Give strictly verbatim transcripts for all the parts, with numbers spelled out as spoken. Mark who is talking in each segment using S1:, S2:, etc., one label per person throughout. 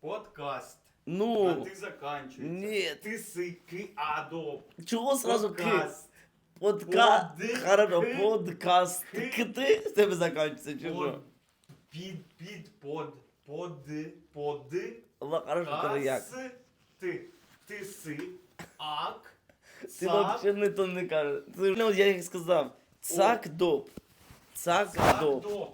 S1: Подкаст.
S2: Ну,
S1: А ты заканчивается.
S2: нет.
S1: Ты сыки адо.
S2: Чого сразу ки?
S1: Подкаст.
S2: Подка...
S1: Под-
S2: Хорошо,
S1: ки-
S2: подкаст.
S1: ки-
S2: Кти з тебе закінчиться, чи що?
S1: Под. Під, під, под. Под. Под.
S2: Ла- Хорошо, коли як?
S1: Кас. Ти. Ти си. Ак.
S2: Ти
S1: Цак.
S2: взагалі не то не кажеш. Ти, ну, я їх сказав. Цак доп. Цак доп.
S1: Цак-до.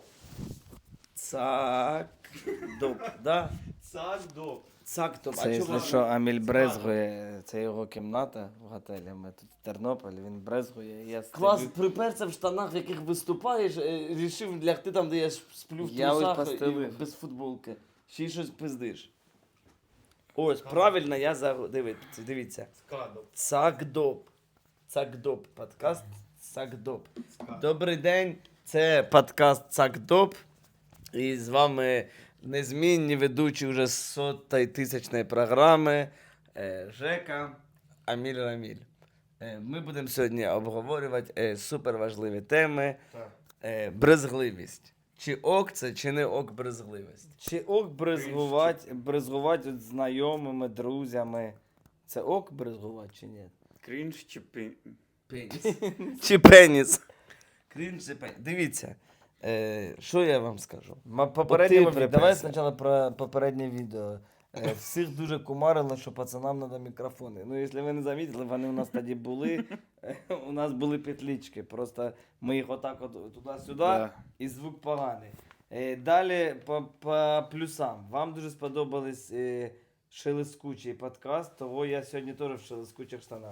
S2: Цак доп. Да?
S1: Цак-до.
S2: Цак доп.
S3: Це,
S2: А
S3: якщо
S2: чого?
S3: що, Аміль брезгує, це його кімната в готелі. Ми тут в Тернополі, він брезгує. і Я
S2: Клас,
S3: стою.
S2: приперся в штанах, в яких виступаєш, е, рішив лягти там, де я ж сплю в
S3: Я ось
S2: трусах і
S3: постелив.
S2: без футболки. Ще й щось пиздиш. Ось, правильно, я за... Дивіться, дивіться.
S1: Скадо.
S2: Цакдоп. Цакдоп. Подкаст Цакдоп.
S1: Скадо.
S2: Добрий день, це подкаст Цакдоп. І з вами незмінні ведучі вже сотої тисячної програми е, Жека, Аміль Раміль. Е, Ми будемо сьогодні обговорювати е, суперважливі теми.
S1: Так.
S2: Е, брезгливість. Чи ок це, чи не ок брезгливість?
S3: Чи ок брезгувати, брезгувати от знайомими, друзями? Це ок брезгувати чи ні?
S1: Крінж чи пі...
S2: Пеніс. Чи пеніс? Крінж чи пеніс. Дивіться, е, що я вам скажу?
S3: Ма- Попереднє
S2: От ти
S3: відео. Давай
S2: приперся.
S3: спочатку про попереднє відео. Е, Всіх дуже кумарило, що пацанам треба мікрофони. Ну, якщо ви не замітили, вони у нас тоді були. Е, У нас були петлички. Просто ми їх отак от туди-сюди,
S1: Да.
S3: і звук поганий. Е, Далі по, по плюсам. Вам дуже сподобались е, шелескучий подкаст, того я сьогодні теж в шелескучих штанах.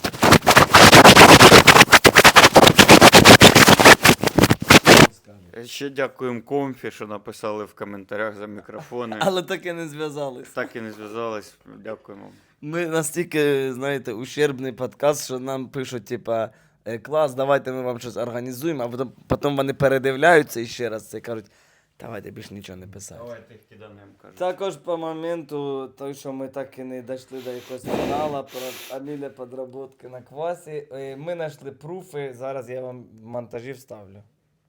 S1: Ще дякуємо Комфі, що написали в коментарях за мікрофони.
S2: Але таке не зв'язались.
S1: Так і не зв'язались. Дякуємо.
S2: Ми настільки, знаєте, ущербний подкаст, що нам пишуть, типа, «Е, клас, давайте ми вам щось організуємо, а потім, потім вони передивляються і ще раз це і кажуть, давайте більше нічого не писати.
S1: Давайте їх киданем, кажуть.
S3: Також по моменту, той, що ми так і не дійшли до якогось фіналу про Аміля підроботки на квасі, е, ми знайшли пруфи, зараз я вам в монтажі вставлю.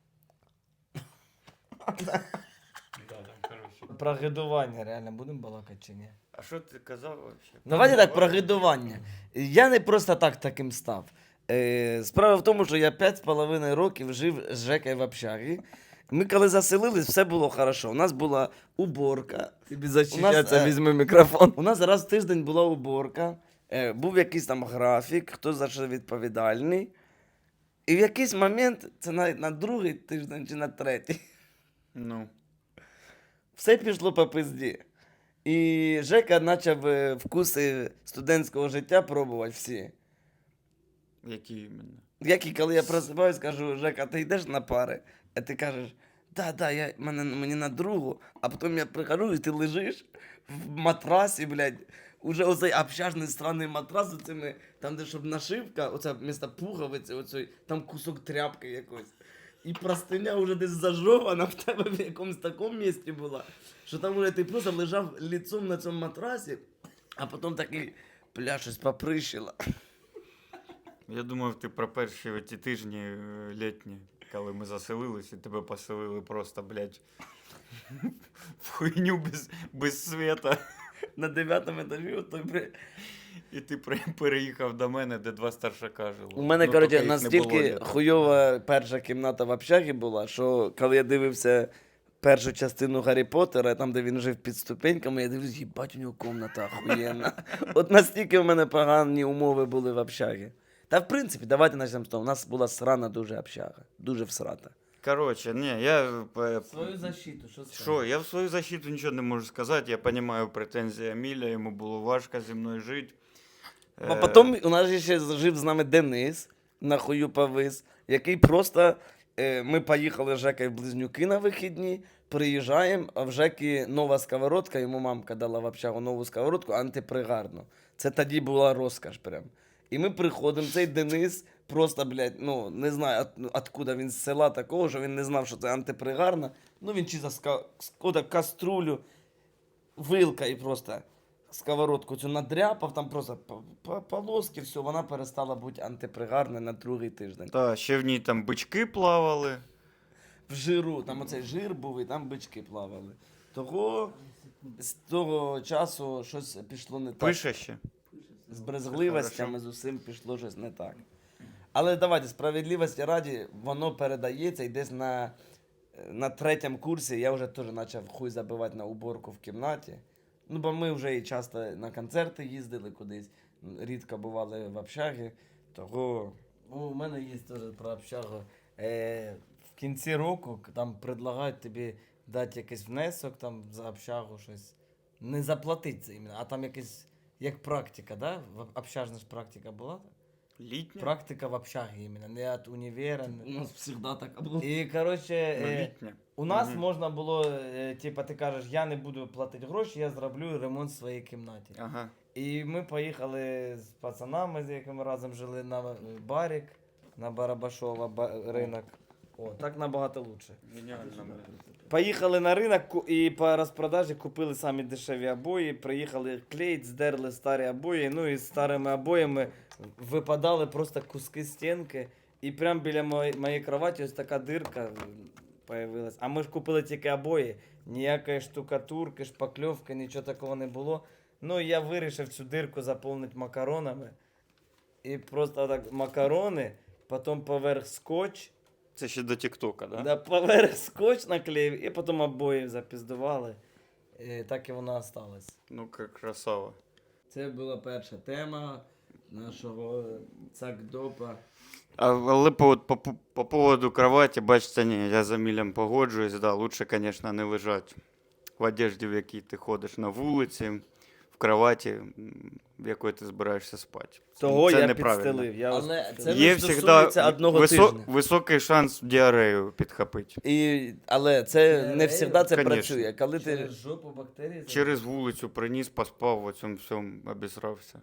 S1: Да, там, коротше.
S3: Про гидування реально будемо балакати чи ні?
S1: А що ти казав взагалі?
S2: Давайте так, про гидування. Я не просто так таким став. Е, справа в тому, що я п'ять з половиною років жив з Жекою в общагі. Ми коли заселились, все було хорошо. У нас була уборка. Тобі
S3: зачищаться,
S2: візьми мікрофон. У нас раз в тиждень була уборка. Е, був якийсь там графік, хто за що відповідальний. І в якийсь момент, це навіть на другий тиждень чи на третій,
S1: Ну.
S2: все пішло по пизді. І Жека почав е, вкуси студентського життя пробувати всі.
S1: Які іменно?
S2: Як і коли я просипаюсь, кажу, Жека, ти йдеш на пари? А ти кажеш, да, да, я, мене, мені на другу. А потім я прихожу, і ти лежиш в матрасі, блядь. Уже оцей общажний странний матрас, оцими, там, де щоб нашивка, оце місто пуговиці, оцей, там кусок тряпки якось. І простиня вже десь зажована в тебе в якомусь такому місці була, що там уже ти просто лежав лицом на цьому матрасі, а потім такий, бля, щось поприщило.
S1: Я думав, ти про перші ті тижні е, літні, коли ми заселились, і тебе поселили просто, блядь, в хуйню без, без света.
S2: На дев'ятому етажі, от той, бля,
S1: І ти при- переїхав до мене, де два старшака жили.
S2: у мене,
S1: Ну,
S2: коротше,
S1: поки їх не було
S2: настільки
S1: літа.
S2: хуйова перша кімната в общагі була, що коли я дивився першу частину Гаррі Поттера, там, де він жив під ступеньками, я дивлюсь, їбать, у нього комната охуєнна. От настільки в мене погані умови були в общагі. Та в принципі, давайте почнемо з того. У нас була срана дуже общага. Дуже всрата.
S1: Коротше, ні, я... е,
S3: Свою защиту, що скажеш?
S1: Що, я в свою защиту нічого не можу сказати. Я розумію претензії Аміля, йому було важко зі мною жити.
S2: А
S1: Е,
S2: потім у нас же ще жив з нами Денис, на хую повис, який просто, е, ми поїхали з Жекою в Близнюки на вихідні, приїжджаємо, а в Жеки нова сковородка, йому мамка дала в общагу нову сковородку, антипригарну. Це тоді була розкаш прям. І ми приходимо, цей Денис просто, блядь, ну, не знаю, от, откуда він з села такого, що він не знав, що це антипригарна. Ну, він чи за ска... ска- каструлю, вилка і просто сковородку цю надряпав, там просто по- по- полоски, все, вона перестала бути антипригарною на другий тиждень.
S1: Та, ще в ній там бички плавали.
S2: В жиру, там оцей жир був, і там бички плавали. Того з того часу щось пішло не так.
S1: Пише ще.
S2: З брезгливостями з усім пішло щось не так. Але давайте, справедливості раді, воно передається і десь на, на третьому курсі я вже теж почав хуй забивати на уборку в кімнаті. Ну, бо ми вже і часто на концерти їздили кудись, рідко бували в общагі, того...
S3: Ну, у мене є теж про общагу. Е, в кінці року к- там предлагають тобі дати якийсь внесок там за общагу щось. Не заплатити це іменно, а там якась як практика, да? В общажна ж практика була?
S1: Літня?
S3: Практика в общагі іменно, не від універа.
S2: У
S3: не-
S2: нас завжди так було.
S3: І, коротше,
S1: Ну,
S3: е,
S1: літня.
S3: у нас
S1: Мгм.
S3: можна було, е, типа, ти кажеш, я не буду платити гроші, я зроблю ремонт в своїй кімнаті.
S1: Ага.
S3: І ми поїхали з пацанами, з якими разом жили на е, барік, на Барабашова ба- ринок. О, так набагато лучше.
S1: Геніально.
S3: Поїхали на ринок ку- і по розпродажі купили самі дешеві обої, приїхали клеїть, здерли старі обої, ну і з старими обоями випадали просто куски стінки. І прямо біля моєї, моєї кроваті ось така дирка появилась. А ми ж купили тільки обої, ніякої штукатурки, шпакльовки, нічого такого не було. Ну, я вирішив цю дирку заповнити макаронами. І просто так макарони, потім поверх скотч.
S1: Це ще до Тіктока, да?
S3: Да, поверх скотч наклеїв, і потім обої запіздували. І так і воно осталось.
S1: Ну, як красава.
S2: Це була перша тема нашого цакдопа.
S1: А, але по, по, по, по поводу кровати, бачите, ні, я за Мілем погоджуюсь, да, лучше, звісно, не лежати в одежді, в якій ти ходиш на вулиці, в кроваті, м, в якої ти збираєшся спати.
S3: Того
S1: це
S3: я
S1: неправильно.
S3: підстелив. Я ось
S2: Але
S3: підстелив.
S2: це
S1: Є
S2: не
S1: завжди
S2: стосується одного тижня.
S1: високий шанс діарею підхопити.
S2: І, але це не
S3: Реально?
S2: завжди це
S1: Конечно.
S2: працює. Коли ти...
S3: Через жопу бактерії.
S1: Через вулицю приніс, поспав, в цьому всьому обісрався.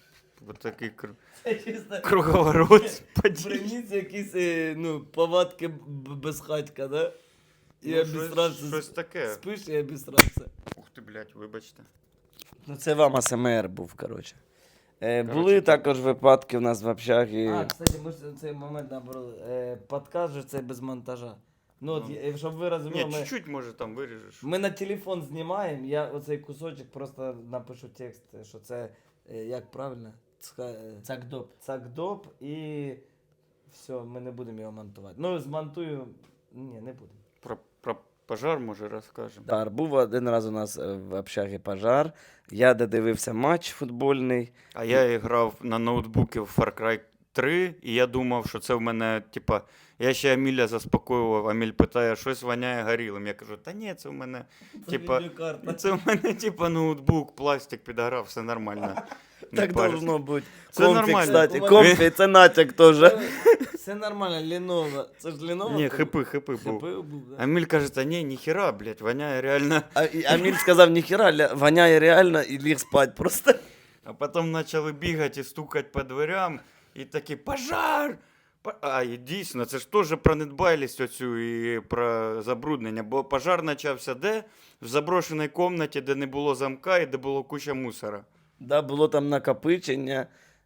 S1: Ось такий кру...
S3: Це чисто
S1: круговорот подій.
S3: приніс якісь е, ну, повадки б- безхатька, да? І
S1: Ну,
S3: обісрався.
S1: щось, щось таке.
S3: Спиш і обісрався.
S1: Ух ти, блядь, вибачте.
S2: Ну, це вам АСМР був, коротше. Е,
S1: Коротше,
S2: були
S1: так.
S2: також випадки в нас в общагі.
S3: А, кстати, ми ж цей момент набрали. Е, подкаст же це без монтажа. Ну, от,
S1: Ну.
S3: я- щоб ви розуміли,
S1: Ні,
S3: ми,
S1: чуть-чуть, може, там виріжеш.
S3: ми на телефон знімаємо, я оцей кусочок просто напишу текст, що це, е, як правильно? Ска- е,
S2: Цакдоп.
S3: Цакдоп і все, ми не будемо його монтувати. Ну, змонтую. Ні, не будемо.
S1: Про, про пожар, може, розкажемо.
S2: Пожар. Був один раз у нас е, в общагі пожар. Я додивився матч футбольний.
S1: А я грав на ноутбуці в Far Cry три, і я думав, що це в мене, типа, я ще Аміля заспокоював, Аміль питає, щось воняє горілим. Я кажу, та ні, це в мене, типа,
S3: Відеокарта.
S1: це в мене, типа, ноутбук, пластик підгорав, все нормально. Не
S2: Так
S1: парься.
S2: должно бути.
S1: Це
S2: Комфі,
S1: нормально.
S2: кстати,
S3: У мене-
S2: комфі, це натяк теж.
S3: Все нормально, Lenovo. Це ж Lenovo?
S1: Ні,
S3: був?
S1: хипи, хипи був.
S3: Хипи був, да.
S1: Аміль каже, та ні, ніхіра, блядь, воняє реально.
S2: А, і Аміль сказав, ніхіра, ля- воняє реально і ліг спать просто.
S1: А потім почали бігати і стукати по дверям, і такі, пожар! По- А, і дійсно, це ж теж про недбайлість оцю і про забруднення, бо пожар почався де? В заброшеній кімнаті, де не було замка і де було куча мусора.
S2: Да, було там накопичення.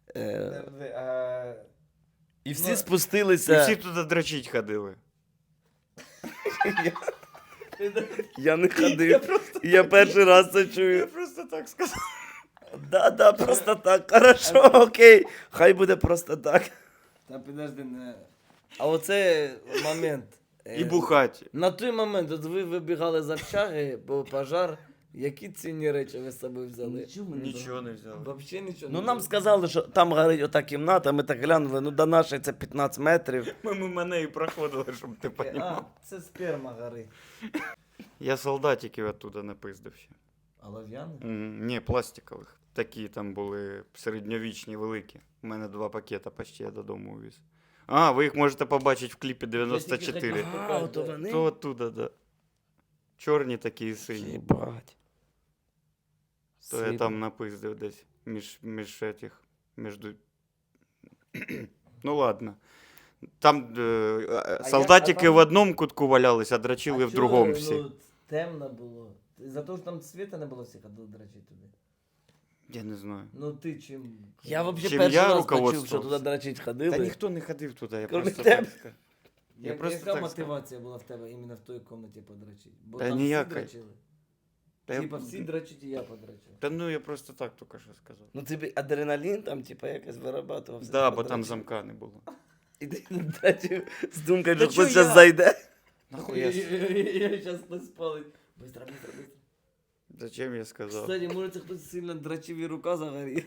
S2: Е,
S3: Подожди, а...
S2: і всі
S3: Ну,
S1: І
S2: спустилися.
S1: всі туди дрочить ходили.
S2: Я не ходив. Я перший раз це
S1: Я
S2: чую.
S1: просто так сказав.
S2: Да, да, просто так. Хорошо, окей. Хай буде просто так.
S3: Та підожди, не... А оце момент. е,
S1: І бухать.
S3: На той момент, от ви вибігали з общаги, бо пожар, які цінні речі ви з собою взяли?
S1: Нічого не взяли.
S3: Взагалі нічого
S2: Ну
S3: не
S2: нам
S3: взяли.
S2: сказали, що там горить ота кімната, ми так глянули, ну до нашої це п'ятнадцять метрів.
S1: Ми мимо неї проходили, щоб ти
S3: А,
S1: розумів.
S3: це сперма горить.
S1: Я солдатиків оттуда напиздив ще.
S3: А лав'яни?
S1: М, Ні, пластикових. Такі там були середньовічні, великі. У мене два пакета почти я додому увіз. А, ви їх можете побачити в кліпі дев'яносто чотири.
S2: А, ото вони?
S1: То оттуда, да. Чорні такі і сині.
S2: Єбать.
S1: То я
S2: Сильно.
S1: там напиздив десь між, між этих, між... Ну ладно. Там е,
S3: А
S1: солдатики
S3: як- а там-
S1: в одному кутку валялись, а дрочили
S3: А
S1: в
S3: чого,
S1: другому всі.
S3: Ну, темно було. За те, що там світа не було всіх ходив дрочити туди.
S1: Я не знаю.
S3: Ну ти чим?
S2: Я взагалі
S1: Чим
S2: перший
S1: я
S2: раз почув, що
S1: руководствувався?
S2: туди дрочить
S1: Та
S2: ходили.
S1: ніхто не ходив туди, я
S2: Кроме
S1: просто
S2: тебе.
S1: так сказав. Я
S3: Я
S1: просто
S3: яка
S1: так
S3: мотивація була в тебе іменно в той кімнаті подрочити? Бо
S1: Та
S3: там
S1: ніяка.
S3: всі дрочили.
S1: Та,
S3: Типа
S1: я...
S3: всі дрочать, і я подрочу.
S1: Та ну я просто так тільки що сказав.
S2: Ну тобі адреналін там, типа, якось вирабатувався.
S1: Да,
S2: ти
S1: бо там
S2: подрочив.
S1: замка не було.
S2: І ти дрочив з думкою,
S1: Та
S2: що хтось
S1: чо я?
S2: зараз зайде.
S1: Нахуй я... с-
S3: Я зараз хтось спалить. Быстро, быстро, быстро.
S1: Зачем я сказав?
S3: Кстати, може це хтось сильно дрочив і рука загоріла.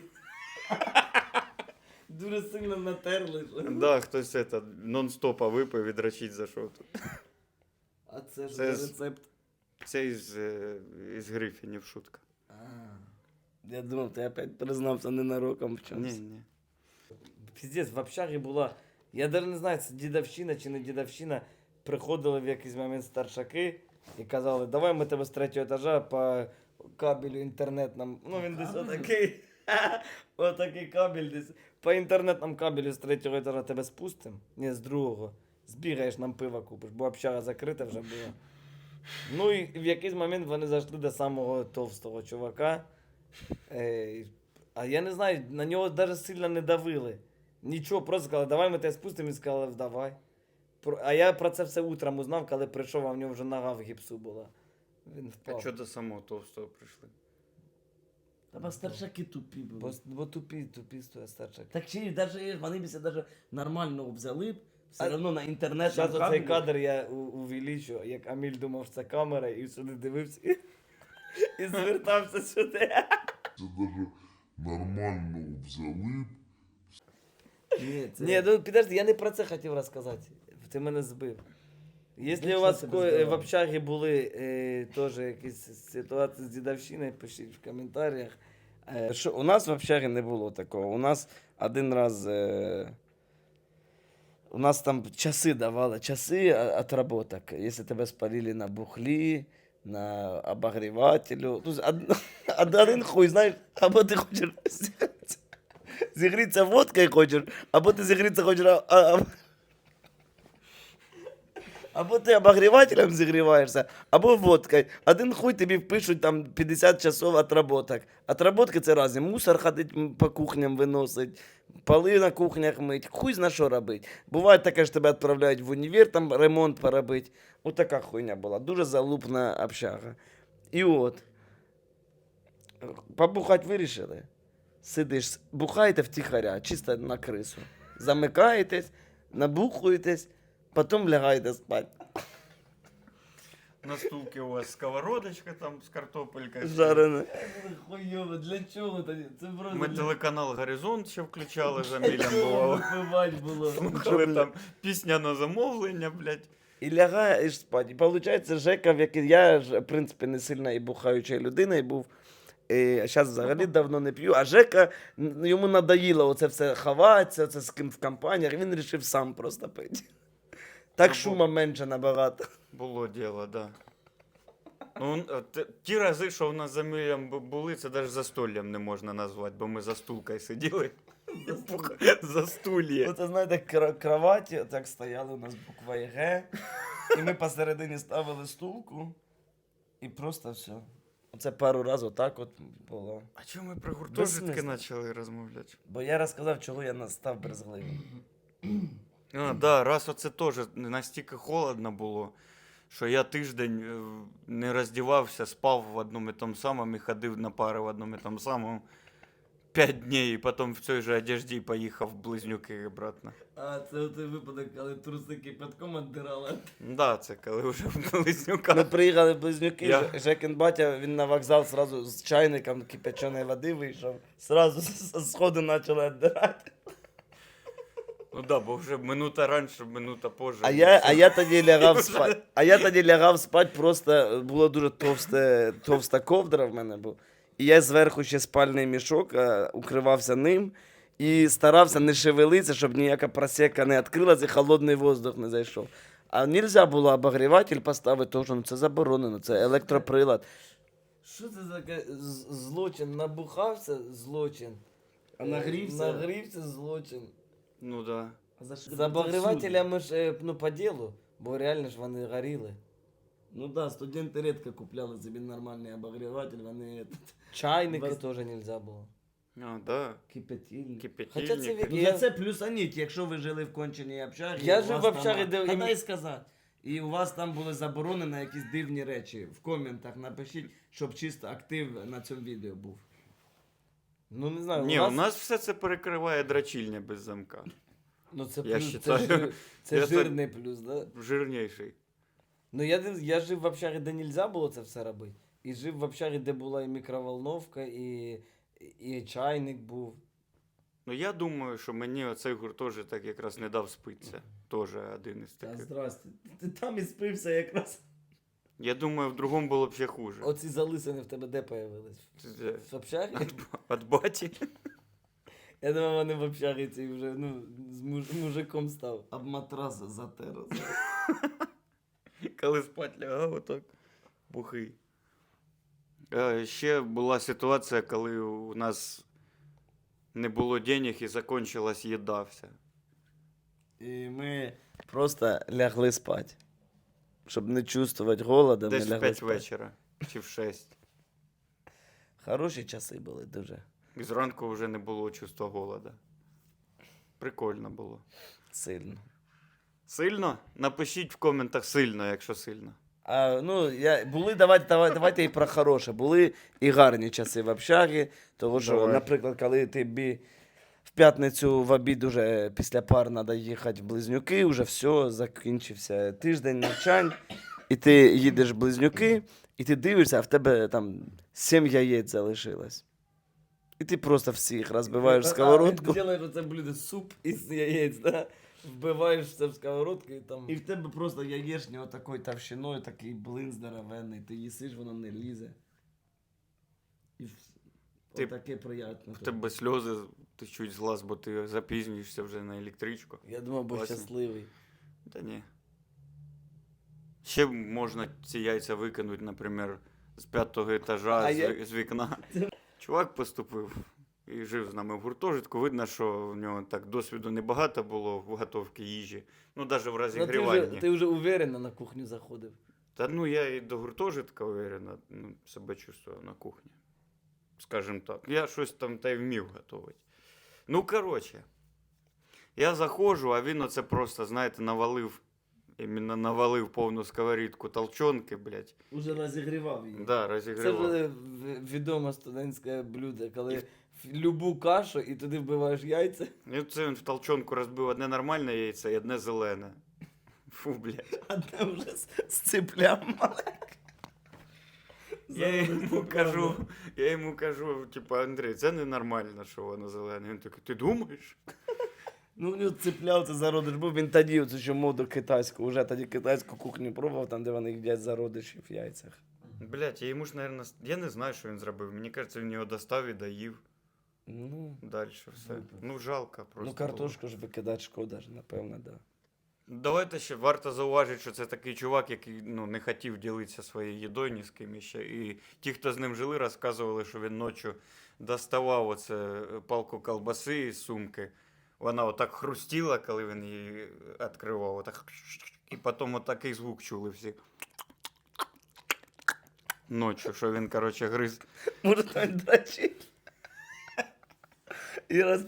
S3: Дуже сильно натерли. що.
S1: Да, хтось это, нон-стопа випив і дрочить зайшов тут.
S3: А це ж
S1: Це
S3: за
S1: з-
S3: рецепт.
S1: Це із, е, із Грифінів шутка.
S3: А.
S2: Я думав, ти опять признався ненароком в
S1: Ні,
S2: чомусь.
S1: ні.
S3: Піздець, в общагі була. Я навіть не знаю, це дідовщина чи не дідовщина. Приходили в якийсь момент старшаки і казали, давай ми тебе з третього етажа по кабелю інтернетному. Ну він десь отакий. Отакий кабель десь. По інтернетному кабелю з третього етажа тебе спустимо. Ні, з другого. Збігаєш, нам пива купиш, бо общага закрита вже була. Ну і в якийсь момент вони зайшли до самого товстого чувака. Е, а я не знаю, на нього навіть сильно не давили. Нічого, просто сказали, давай ми тебе спустимо, і сказали, давай. Про- А я про це все утром узнав, коли прийшов, а в нього вже нога в гіпсу була. Він
S1: А
S3: впав.
S1: що до самого товстого прийшли?
S2: Та бо старшаки тупі були.
S3: Бо, бо тупі, тупі стоять старчак.
S2: Так чи даже вони б даже нормально взяли б, все
S3: А
S2: одно на інтернет.
S3: Зараз оцей кадр я у- увеличу, як Аміль думав, що це камера, і сюди дивився і, і звертався сюди.
S4: Це даже нормально взяли б.
S2: Ні, це...
S3: Ні, ну підожди, я не про це хотів розказати. Ти мене збив. Якщо
S2: Ну,
S3: у
S2: що
S3: вас
S2: тебе
S3: ко- е,
S2: збило?
S3: в общагі були е, теж якісь ситуації з дідовщиною, пишіть в коментарях.
S2: Е, Що, у нас в общагі не було такого. У нас один раз. Е... У нас там часи давали, часи а- отработок. Якщо тебе спалили на бухлі, на обогрівателю. Ну, од- од- один хуй, знаєш, або ти хочеш зігрітися- зігрітися водкою хочеш, або ти зігрітися хочеш. а- а- Або ти обогрівателем зігріваєшся, або водкою. Один хуй тобі впишуть там п'ятдесят часов отработок. Отработки це разі. Мусор ходить м, по кухням виносить, поли на кухнях мить. Хуй зна що робить. Буває таке, що тебе відправляють в універ, там ремонт поробити. Ось така хуйня була. Дуже залупна общага. І от. Побухати вирішили. Сидиш, бухаєте втіхаря, чисто на крису. Замикаєтесь, набухуєтесь. Потім лягаєте спати.
S1: На стулці у вас сковородочка там з картопелькою.
S2: Жарене.
S3: Хуйово, для чого тоді? Це просто
S1: Ми
S3: для
S1: телеканал Горизонт ще включали за Мілем
S3: чого
S1: бувало.
S3: випивати було.
S1: Слухали там пісня на замовлення, блядь.
S2: І лягаєш спати. І виходить, Жека, в який я ж, в принципі, не сильно і бухаючою людиною був. Зараз взагалі давно не п'ю, а Жека, н- йому надоїло оце все ховатися, оце з ким в компаніях, він вирішив сам просто пити. Так
S1: Ну,
S2: шума менше набагато.
S1: Було діло, да. Ну, е, т- ті рази, що в нас за Мілем бу- були, це навіть застоллям не можна назвати, бо ми за стулкою сиділи. За стульє.
S2: Оце, знаєте, кра- кроваті, так стояли у нас буква Г, і ми посередині ставили стулку, і просто все. Оце пару разів так от було.
S1: А чому ми про гуртожитки
S2: Безсмислено.
S1: почали розмовляти?
S2: Бо я розказав, чого я настав брезгливим.
S1: А, да, раз оце теж настільки холодно було, що я тиждень е, не роздівався, спав в одному і тому самому і ходив на пари в одному і тому самому. П'ять днів, і потім в цій же одежді поїхав в Близнюки обратно.
S3: А, це той випадок, коли труси кипятком віддирали.
S1: Да, це коли вже в
S2: Ми
S1: Близнюках.
S2: приїхали в Близнюки,
S1: Я-
S2: Ж- Жекін батя, він на вокзал сразу з чайником кипяченої води вийшов. Сразу з сходу почали віддирати.
S1: Ну да, бо вже минута раніше, минута позже.
S2: А я, а я тоді лягав спати. А я тоді лягав спати, просто було дуже товсте, товста ковдра в мене був. І я зверху ще спальний мішок а, укривався ним і старався не шевелитися, щоб ніяка просека не відкрилася і холодний воздух не зайшов. А нельзя було обогріватель поставити, тому що ну, це заборонено, це електроприлад.
S3: Що це за таке з- злочин? Набухався злочин.
S2: А нагрівся?
S3: Нагрівся злочин.
S1: Ну да.
S3: З обогрівателями ж е, ну, по ділу, бо реально ж вони горіли.
S2: Ну да, студенти рідко купляли собі нормальний обогріватель, вони
S3: Чайники
S2: Вас-
S3: теж нельзя було.
S1: А, да.
S2: кипятильник.
S1: Кипятильник.
S3: Хоча це
S2: Ну,
S3: Я-
S2: за це плюс аніть, якщо ви жили в конченій общагі.
S3: Я
S2: у
S3: жив
S2: вас
S3: в общагі,
S2: там-
S3: де
S2: Та
S3: ім-
S2: дай сказати. І у вас там були заборонені якісь дивні речі. В коментах напишіть, щоб чисто актив на цьому відео був.
S3: Ну не знаю,
S1: Ні,
S3: у
S1: у
S3: нас,
S1: нас все це перекриває драчільня без замка.
S3: ну це
S1: я
S3: плюс, це,
S1: считаю,
S3: жир, це
S1: я так-
S3: жирний плюс, да?
S1: Жирніший.
S3: Ну я, див- я жив в общагі, де нельзя було це все робити. І жив в общагі, де була і мікроволновка, і, і чайник був.
S1: Ну я думаю, що мені оцей гуртожиток якраз не дав спитися. Теж один із
S2: Та
S1: таких.
S2: здрасте. Ти там і спився якраз.
S1: Я думаю, в другому було б ще хуже.
S3: Оці залисини в тебе де появились?
S1: Це
S3: В общагі?
S1: От баті.
S3: Я думав, вони в общагі ці вже, ну, з муж, мужиком став.
S2: Об матрас затер.
S1: Коли спать лягав, отак бухий. Е, Ще була ситуація, коли у нас не було денег і закінчилась їда вся.
S2: І ми просто лягли спати. Щоб не чувствувати голода,
S1: Десь
S2: ми
S1: в
S2: лягли
S1: п'ять
S2: спати.
S1: вечора чи в шесть.
S2: Хороші часи були дуже.
S1: І зранку вже не було чувства голода. Прикольно було.
S2: Сильно.
S1: Сильно? Напишіть в коментах сильно, якщо сильно.
S2: А, ну, я, були, давайте, давайте, давайте і про хороше. Були і гарні часи в общагі. Тому що,
S1: Давай.
S2: наприклад, коли тобі в п'ятницю в обід уже після пар треба їхати в Близнюки, вже все, закінчився тиждень навчань, і ти їдеш в Близнюки, і ти дивишся, а в тебе там сім яєць залишилось. І ти просто всіх розбиваєш в сковородку.
S3: Делаєш оце блюдо суп із яєць, да? Вбиваєш це в сковородку і там...
S2: І в тебе просто яєчня отакою товщиною, такий блин здоровенний, ти їсиш, воно не лізе. І в-
S1: Ти-
S2: отаке приємне.
S1: В тебе сльози течуть з глаз, бо ти запізнюєшся вже на електричку.
S3: Я думав, був
S1: Класно.
S3: щасливий.
S1: Та ні. Ще можна ці яйця викинути, наприклад, з п'ятого етажа,
S3: А
S1: з,
S3: я-
S1: з вікна. Чувак поступив і жив з нами в гуртожитку. Видно, що в нього так досвіду небагато було в готовці їжі. Ну, навіть в
S3: Ну, ти,
S1: розігріванні.
S3: вже, ти вже уверенно на кухню заходив.
S1: Та ну я і до гуртожитка уверенно ну, себе чувствував на кухні. Скажем так. Я щось там та й вмів готувати. Ну, коротше, я заходжу, а він оце просто, знаєте, навалив, іменно навалив повну сковорідку толчонки, блядь.
S2: Уже розігрівав її.
S1: Да,
S3: Це
S1: розігрівав.
S3: вже в- відоме студентське блюдо, коли в любу кашу і туди вбиваєш яйця.
S1: І це він в толчонку розбив одне нормальне яйце і одне зелене. Фу, блядь.
S2: А там вже з, з циплям маленьким.
S1: Я йому кажу, я йому кажу, типу, Андрій, це ненормально, що воно зелене. Він такий, ти думаєш?
S2: Ну, в нього ципляв, це зародиш був, він тоді оцю ще моду китайську, вже тоді китайську кухню пробував, там, де вони їдять зародишів в яйцях.
S1: Блять, я йому ж, наверное, я не знаю, що він зробив. Мені кажеться, він його достав і доїв.
S2: Ну,
S1: Далі все. Ну, жалко просто.
S2: ну картошку ж викидати шкода ж, напевно, да.
S1: було. Давайте ще варто зауважити, що це такий чувак, який ну, не хотів ділитися своєю їдою ні з ким іще. І ті, хто з ним жили, розказували, що він ночі доставав оце палку колбаси із сумки. Вона отак хрустіла, коли він її відкривав. Отак. І потім отакий звук чули всі. Ночі, що він, коротше, гриз.
S2: Може, там драчить. І роз...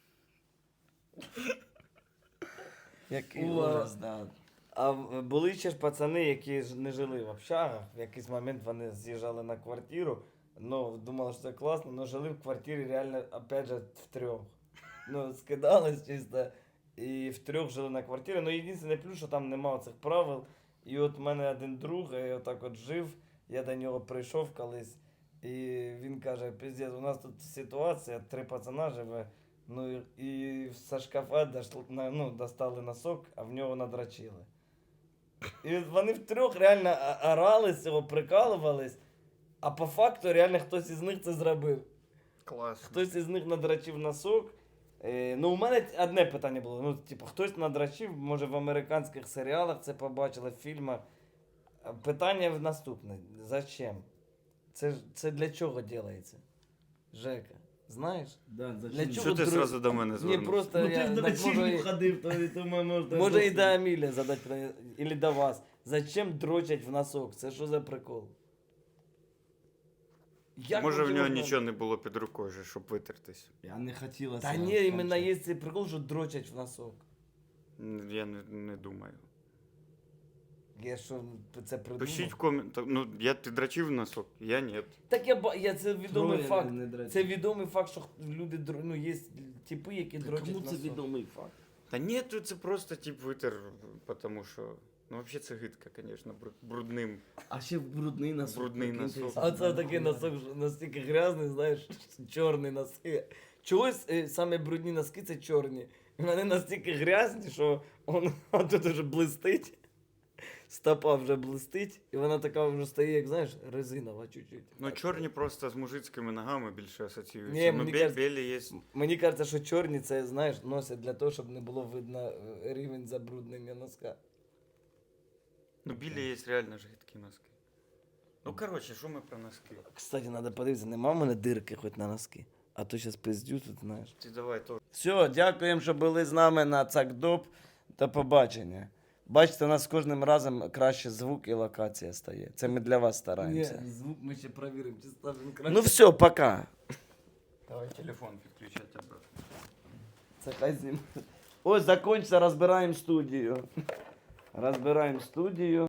S2: Який
S3: Уа.
S2: ужас, да.
S3: А в- були ще ж пацани, які ж не жили в общагах. В якийсь момент вони з'їжджали на квартиру. Ну, думали, що це класно, але жили в квартирі реально, опять же, втрьох. Ну, скидались чисто. І втрьох жили на квартирі. Ну, єдине плюс, що там немає цих правил. І от в мене один друг, я отак от жив, я до нього прийшов колись. І він каже, пиздець, у нас тут ситуація, три пацана живе. Ну і- і з шкафа дошли, на- ну, достали носок, а в нього надрачили. І от вони втрьох реально а- орали з цього, прикалувались, а по факту реально хтось із них це зробив.
S1: Класно.
S3: Хтось із них надрачив носок. Е, ну, у мене одне питання було. Ну, типу, хтось надрачив, може в американських серіалах це побачили, в фільмах. А питання наступне. Зачем? Це, ж- це для чого робиться? Жека, знаєш?
S2: Да,
S3: Для чого?
S1: Що ти
S3: друг-
S1: зразу до мене
S3: Ні,
S1: звернувся?
S3: просто
S2: Ну,
S3: я,
S2: ти ж до
S3: так, може,
S2: вечірню
S3: і-
S2: ходив, то, і тому може...
S3: може і до Аміля задати питання, или до вас. Зачем дрочать в носок? Це що за прикол? Як
S1: Може, в
S3: ви
S1: нього
S3: його-
S1: нічого не було під рукою, же, щоб витертись.
S2: Я не хотіла.
S3: Та ні, іменно є цей прикол, що дрочать в носок.
S1: Н- Я не, не думаю.
S3: Я що це придумав?
S1: Пишіть в коментах. Ну, я ти драчив носок, я ні.
S3: Так я, ба- я це відомий
S2: Троє
S3: факт.
S2: не дрочать.
S3: Це відомий факт, що люди др- ну, є типи, які дрочать
S2: Кому це
S3: носок.
S2: відомий факт?
S1: Та ні, тут це просто тип витер, тому що. Ну, взагалі це гидко, звісно, брудним.
S2: А ще брудний носок.
S1: Брудний
S2: прикиньте,
S1: носок.
S3: А це такий носок що настільки грязний, знаєш, чорний носки. Чогось е, саме брудні носки це чорні. І вони настільки грязні, що он, он тут вже блистить. Стопа вже блистить, і вона така вже стає, як знаєш, резинова чуть-чуть.
S1: Ну, чорні просто з мужицькими ногами більше асоціюються.
S3: Ні,
S1: ну,
S3: мені
S1: бе-
S3: кажется-
S1: білі є.
S3: Мені кажеться, що чорні це, знаєш, носять для того, щоб не було видно е, рівень забруднення носка.
S1: Ну, білі є реально ж гидкі носки. Ну, коротше, що ми про носки?
S3: Кстати, треба подивитися, нема в мене дирки хоч на носки. А то зараз пиздю тут, знаєш.
S1: Ти давай то.
S2: Все, дякуємо, що були з нами на Цакдоп. До побачення. Бачите, у нас з кожним разом краще звук і локація стає. Це ми для вас стараємося.
S3: звук ми ще перевіримо, чи ставимо краще.
S2: Ну все, пока.
S1: Давай телефон підключати обратно.
S3: Це хай знімає.
S2: Ось, закончиться, розбираємо студію. Розбираємо студію.